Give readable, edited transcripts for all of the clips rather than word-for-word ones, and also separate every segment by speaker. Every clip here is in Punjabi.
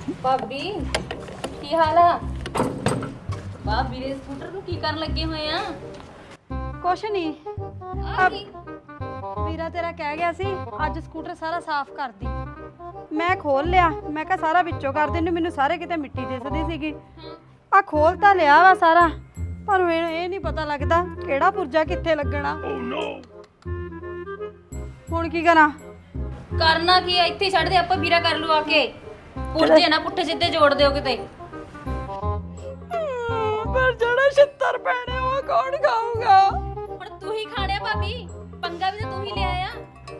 Speaker 1: ਭਾਬੀ ਕੀ ਹਾਲ ਆ? ਵਾਹ ਵੀਰੇ ਸਕੂਟਰ ਨੂੰ ਕੀ ਕਰਨ ਲੱਗੇ ਹੋਏ ਆ?
Speaker 2: ਕੁਛ ਨਹੀਂ,
Speaker 1: ਆ ਕੀ?
Speaker 2: ਵੀਰਾ ਤੇਰਾ ਕਹਿ ਗਿਆ ਸੀ ਅੱਜ ਸਕੂਟਰ ਸਾਰਾ ਸਾਫ਼ ਕਰਦੀ। ਮੈਂ ਖੋਲ ਲਿਆ, ਮੈਂ ਕਿਹਾ ਸਾਰਾ ਵਿੱਚੋਂ ਕਰ ਦੇ, ਮੈਨੂੰ ਸਾਰੇ ਕਿਤੇ ਮਿੱਟੀ ਦਿਸਦੀ ਸੀਗੀ। ਆ ਖੋਲ ਤਾਂ ਲਿਆ ਵਾ ਸਾਰਾ, ਪਰ ਮੈਨੂੰ ਇਹ ਨਹੀਂ ਪਤਾ ਲੱਗਦਾ ਕਿਹੜਾ ਪੁਰਜਾ ਕਿੱਥੇ ਲੱਗਣਾ। ਹੁਣ ਕੀ ਕਰਾਂ?
Speaker 1: ਕਰਨਾ ਕੀ ਆ? ਇੱਥੇ ਛੱਡ ਦੇ, ਆਪਾਂ ਵੀਰਾ ਕਰ ਲੂ ਆ ਕੇ। ਪੁੱਠੇ ਨਾ ਪੁੱਠੇ ਸਿੱਧੇ ਜੋੜ ਦਿਓ ਕਿਤੇ।
Speaker 2: ਪਰ ਜਿਹੜਾ ਛਿੱਤਰ ਪੈਣੇ ਉਹ ਕੌਣ ਖਾਊਗਾ?
Speaker 1: ਹੁਣ ਤੂੰ ਹੀ ਖਾਣਿਆ ਭਾਬੀ, ਪੰਗਾ ਵੀ ਤਾਂ ਤੂੰ ਹੀ ਲਿਆ ਆ।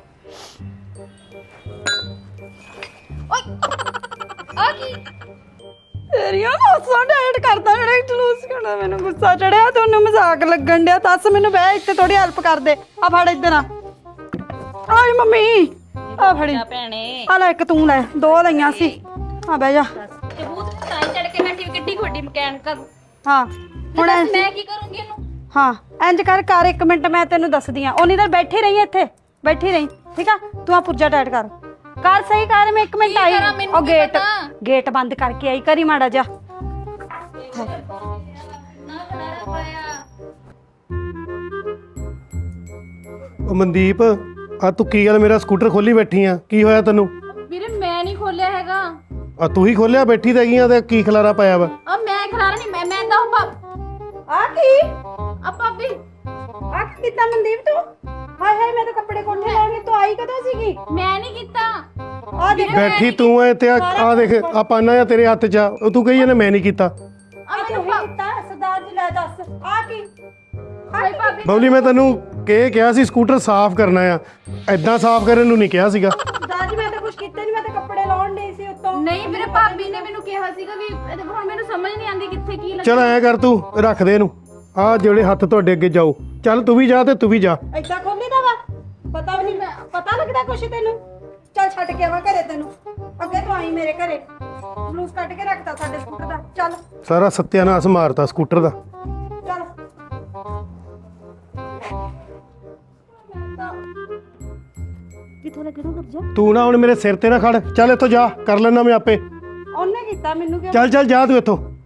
Speaker 1: ਓਏ ਆ ਕੀ?
Speaker 2: ਤੇਰੀਆਂ ਹਾਸਾਂ ਡੈਡ ਕਰਦਾ ਜਿਹੜਾ ਜਲੂਸ ਕਰਦਾ। ਮੈਨੂੰ ਗੁੱਸਾ ਚੜਿਆ, ਤੁਹਾਨੂੰ ਮਜ਼ਾਕ ਲੱਗਣ ਡਿਆ। ਦੱਸ ਮੈਨੂੰ ਬਹਿ ਇੱਥੇ ਥੋੜੀ ਹੈਲਪ ਕਰ ਦੇ। ਆ ਫੜ ਇੱਧਰ ਆ। ਆਈ ਮੰਮੀ ਆ ਫੜੀ
Speaker 1: ਭੈਣੇ।
Speaker 2: ਆ ਲੈ, ਇੱਕ ਤੂੰ ਲੈ, ਦੋ ਲਈਆਂ ਸੀ। ਆ ਬਹਿ ਜਾ।
Speaker 1: ਤੇ ਬੂਤ ਤਾਂ ਚੜ ਕੇ ਬੈਠੀ ਕਿੱਡੀ ਖੋਡੀ ਮਕੈਨਿਕ।
Speaker 2: ਹਾਂ ਹੁਣ
Speaker 1: ਮੈਂ ਕੀ ਕਰੂੰਗੀ ਇਹਨੂੰ?
Speaker 2: ਹਾਂ ਇੰਜ ਕਰ 1 ਮਿੰਟ, ਮੈਂ ਤੈਨੂੰ ਦੱਸਦੀ ਆ। ਉਨੀ ਦੇਰ ਬੈਠੀ ਰਹੀ ਇੱਥੇ, ਬੈਠੀ ਰਹੀ, ਠੀਕ ਆ? ਤੂੰ ਆ ਪੁਰਜਾ ਟਾਈਟ ਕਰ ਸਹੀ ਕਰ। ਮੈਂ 1 ਮਿੰਟ ਆਈ। ਉਹ ਗੇਟ ਬੰਦ ਕਰਕੇ ਆਈ, ਕਰੀ ਮਾੜਾ ਜਾ।
Speaker 3: ਉਹ ਮਨਦੀਪ, ਆ ਤੂੰ ਕੀ ਗੱਲ ਮੇਰਾ ਸਕੂਟਰ ਖੋਲੀ ਬੈਠੀ ਆ? ਕੀ ਹੋਇਆ ਤੈਨੂੰ?
Speaker 1: ਵੀਰੇ ਮੈਂ ਨਹੀਂ ਖੋਲਿਆ ਹੈਗਾ।
Speaker 3: ਆ ਤੂੰ ਹੀ ਖੋਲਿਆ ਬੈਠੀ ਤੇ ਗਈਆਂ ਤੇ ਕੀ ਖਲਾਰਾ ਪਾਇਆ ਵਾ?
Speaker 1: ਆ ਮੈਂ ਖਲਾਰਾ ਨਹੀਂ, ਮੈਂ ਤਾਂ
Speaker 2: ਆ ਕੀ?
Speaker 1: ਆ ਭਾਬੀ
Speaker 2: ਆ ਕਿੱਦਾਂ ਮਨਦੀਪ ਤੂੰ? ਹਾਏ ਹਾਏ, ਮੈਂ ਤਾਂ ਕੱਪੜੇ ਕੋਠੇ ਲੈਣ ਗਈ, ਤੂੰ ਆਈ ਕਦੋਂ ਸੀਗੀ?
Speaker 1: ਮੈਂ ਨਹੀਂ ਕੀਤਾ।
Speaker 2: ਆ ਦੇਖ
Speaker 3: ਬੈਠੀ ਤੂੰ ਐ ਤੇ ਆ ਦੇਖ, ਆ ਪਾਨਾ ਆ ਤੇਰੇ ਹੱਥ 'ਚ ਆ। ਉਹ ਤੂੰ ਕਹੀ ਇਹਨੇ ਮੈਂ ਨਹੀਂ ਕੀਤਾ।
Speaker 1: ਆ ਮੈਨੂੰ
Speaker 2: ਕੀਤਾ ਸਰਦਾਰ ਜੀ, ਲੈ ਦੱਸ ਆ ਕੀ?
Speaker 1: ਹਾਏ ਭਾਬੀ
Speaker 3: ਬਬਲੀ, ਮੈਂ ਤੈਨੂੰ ਕਿਹਾ ਸੀ ਸਕੂਟਰ ਸਾਫ਼ ਕਰਨਾ ਆ, ਐਦਾਂ ਸਾਫ਼ ਕਰਨ ਨੂੰ ਨਹੀਂ ਕਿਹਾ ਸੀਗਾ।
Speaker 2: ਸਰਦਾਰ ਜੀ ਮੈਂ ਤਾਂ ਕੁਝ ਕੀਤਾ ਨਹੀਂ, ਮੈਂ ਤਾਂ ਕੱਪੜੇ ਲਾਉਣ ਡਈ ਸੀ ਉੱਤੋਂ।
Speaker 1: ਨਹੀਂ ਵੀਰੇ, ਭਾਬੀ ਨੇ ਮੈਨੂੰ ਕਿਹਾ ਸੀਗਾ ਵੀ ਹੁਣ ਮੈਨੂੰ ਸਮਝ ਨਹੀਂ ਆਉਂਦੀ ਕਿੱਥੇ ਕੀ ਲੱਗਾ।
Speaker 3: ਚਲ ਐ ਕਰ, ਤੂੰ ਰੱਖ ਦੇ ਇਹਨੂੰ। ਆ ਜਿਹੜੇ ਹੱਥ ਤੁਹਾਡੇ ਅੱਗੇ ਜਾਓ। ਚੱਲ ਤੂੰ ਵੀ ਜਾ ਤੇ ਤੂੰ ਵੀ ਜਾ।
Speaker 2: ਏਦਾਂ ਖੋਲੀਦਾ ਵਾ? ਪਤਾ ਵੀ ਨਹੀਂ, ਪਤਾ ਲੱਗਦਾ ਕੁਛ ਤੈਨੂੰ? ਚੱਲ ਛੱਡ ਕੇ ਆਵਾਂ ਘਰੇ ਤੈਨੂੰ। ਅੱਗੇ ਤੂੰ ਆਈ ਮੇਰੇ ਘਰੇ, ਜਲੂਸ ਕੱਢ ਕੇ ਰੱਖਤਾ ਸਾਡੇ ਸਕੂਟਰ ਦਾ। ਚੱਲ
Speaker 3: ਸਾਰਾ ਸੱਤਿਆਨਾਸ਼ ਮਾਰਤਾ ਸਕੂਟਰ ਦਾ।
Speaker 2: ਚੱਲ ਕਿੱਥੋਂ ਲੱਗੇ ਤੂੰ? ਜਾ।
Speaker 3: ਤੂੰ ਨਾ ਹੁਣ ਮੇਰੇ ਸਿਰ ਤੇ ਨਾ ਖੜ, ਚੱਲ ਇੱਥੋਂ ਜਾ, ਕਰ ਲੈਣਾ ਮੈਂ ਆਪੇ।
Speaker 2: ਉਹਨੇ ਕੀਤਾ, ਮੈਨੂੰ ਕਿਉਂ?
Speaker 3: ਚੱਲ ਜਾ ਤੂੰ ਇੱਥੋਂ।